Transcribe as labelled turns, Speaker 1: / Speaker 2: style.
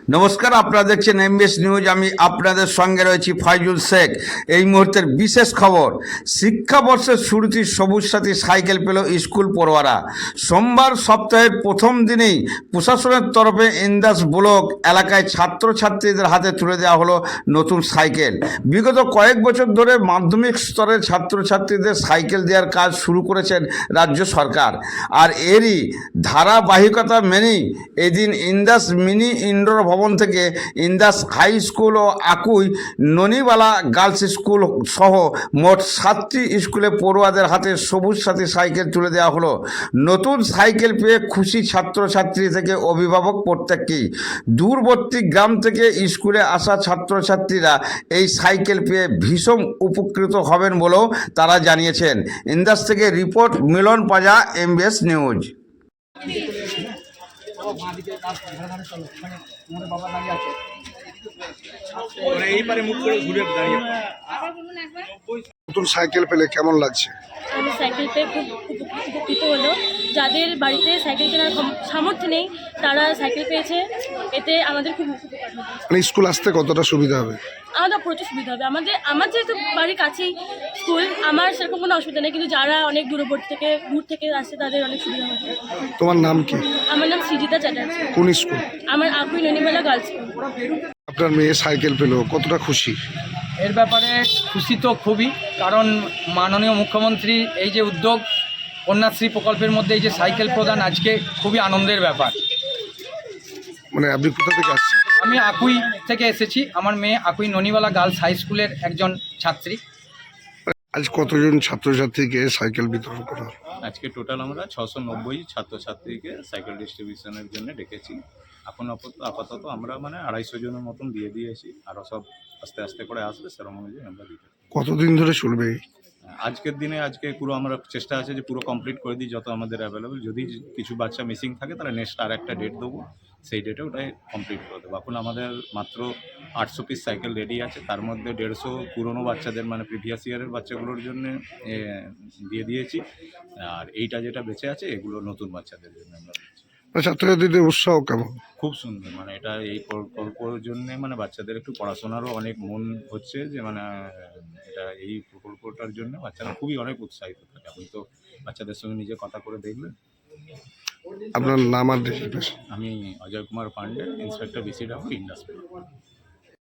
Speaker 1: নমস্কার, আপনারা দেখছেন এমবিএস নিউজ। আমি আপনাদের সঙ্গে রয়েছি ফাইজুল শেখ। এই মুহূর্তের বিশেষ খবর, শিক্ষাবর্ষের শুরুতেই সবুজ সাথী সাইকেল পেল স্কুল পড়ুয়ারা। সোমবার সপ্তাহের প্রথম দিনেই প্রশাসনের তরফে ইন্দাস ব্লক এলাকায় ছাত্রছাত্রীদের হাতে তুলে দেওয়া হলো নতুন সাইকেল। বিগত কয়েক বছর ধরে মাধ্যমিক স্তরের ছাত্রছাত্রীদের সাইকেল দেওয়ার কাজ শুরু করেছেন রাজ্য সরকার, আর এরই ধারাবাহিকতা মেনেই এদিন ইন্দাস মিনি ইনডোর ভবন থেকে ইন্দাস হাই স্কুল ও আকুই ননিবালা গার্লস স্কুল সহ মোট 7টি স্কুলে পড়ুয়াদের হাতে সবুজ সাথী সাইকেল তুলে দেওয়া হলো। নতুন সাইকেল পেয়ে খুশি ছাত্রছাত্রী থেকে অভিভাবক প্রত্যেককেই। দূরবর্তী গ্রাম থেকে স্কুলে আসা ছাত্রছাত্রীরা এই সাইকেল পেয়ে ভীষণ উপকৃত হবেন বলেও তারা জানিয়েছেন। ইন্দাস থেকে report Milan Paja, MBS news.
Speaker 2: নতুন সাইকেল পেলে কেমন লাগছে?
Speaker 3: আমি সাইকেল পেয়ে খুব উপকৃত হলো। যাদের বাড়িতে সাইকেল কেনার সামর্থ্য নেই তারা সাইকেল পেয়েছে, এতে আমাদের খুব উপকার হবে।
Speaker 2: মানে স্কুল আসতে কতটা সুবিধা হবে?
Speaker 3: আমাদের প্রচুর সুবিধা হবে। আমার যেহেতু বাড়ির কাছেই স্কুল, আমার সেরকম কোনো অসুবিধা নেই, কিন্তু যারা অনেক দূর থেকে আসছে তাদের অনেক সুবিধা হবে।
Speaker 2: তোমার নাম কি?
Speaker 3: আমার নাম সৃজিতা চ্যাটার্জি।
Speaker 2: কোন স্কুল?
Speaker 3: আমার আকুই ননিবালা গার্লস স্কুল।
Speaker 2: আপনার মেয়ে সাইকেল পেলো, কতটা খুশি?
Speaker 4: এর ব্যাপারে খুশি তো খুবই, কারণ মাননীয় মুখ্যমন্ত্রী এই যে উদ্যোগ কন্যাশ্রী প্রকল্পের মধ্যে এই যে সাইকেল প্রদান আজকে খুবই আনন্দের ব্যাপার।
Speaker 2: মানে আপনি কোথা থেকে আসছেন?
Speaker 4: আমি আকুই থেকে এসেছি, আমার মেয়ে আকুই ননিবালা গার্লস হাই স্কুলের একজন ছাত্রী।
Speaker 2: আজ কতজন ছাত্রছাত্রীকে সাইকেল বিতরণ করা হলো?
Speaker 5: আজকে টোটাল আমরা 690 ছাত্রছাত্রীকে সাইকেল ডিস্ট্রিবিউশনের জন্য ডেকেছি। এখন আপাতত আমরা 250 জনের মতন দিয়ে দিয়েছি, আরও সব আস্তে আস্তে করে আসবে, সেরকম অনুযায়ী আমরা দিতে।
Speaker 2: কতদিন ধরে চলবে?
Speaker 5: আজকের দিনে পুরো আমরা চেষ্টা আছে যে পুরো কমপ্লিট করে দিই যত আমাদের অ্যাভেলেবেল। যদি কিছু বাচ্চা মিসিং থাকে তাহলে নেক্সট আর একটা ডেট দেবো, সেই ডেটে ওটাই কমপ্লিট করে দেবো। এখন আমাদের মাত্র 800 পিস সাইকেল রেডি আছে, তার মধ্যে 150 পুরনো বাচ্চাদের প্রিভিয়াস ইয়ারের বাচ্চাগুলোর জন্য দিয়ে দিয়েছি, আর এইটা যেটা বেঁচে আছে এগুলো নতুন বাচ্চাদের জন্য আমরা দিচ্ছি।
Speaker 2: ছাত্রছাত্রীদের উৎসাহ কেমন?
Speaker 5: খুব সুন্দর, এটা এই প্রকল্পের জন্য বাচ্চাদের একটু পড়াশোনারও অনেক মন হচ্ছে যে এটা এই প্রকল্পটার জন্য বাচ্চারা খুবই অনেক উৎসাহিত থাকে। আপনি তো বাচ্চাদের সঙ্গে নিজে কথা করে দেখবেন।
Speaker 2: আপনার নাম আর ডেজিগনেশন?
Speaker 5: আমি Ajay Kumar Pandey, inspector BCW industry.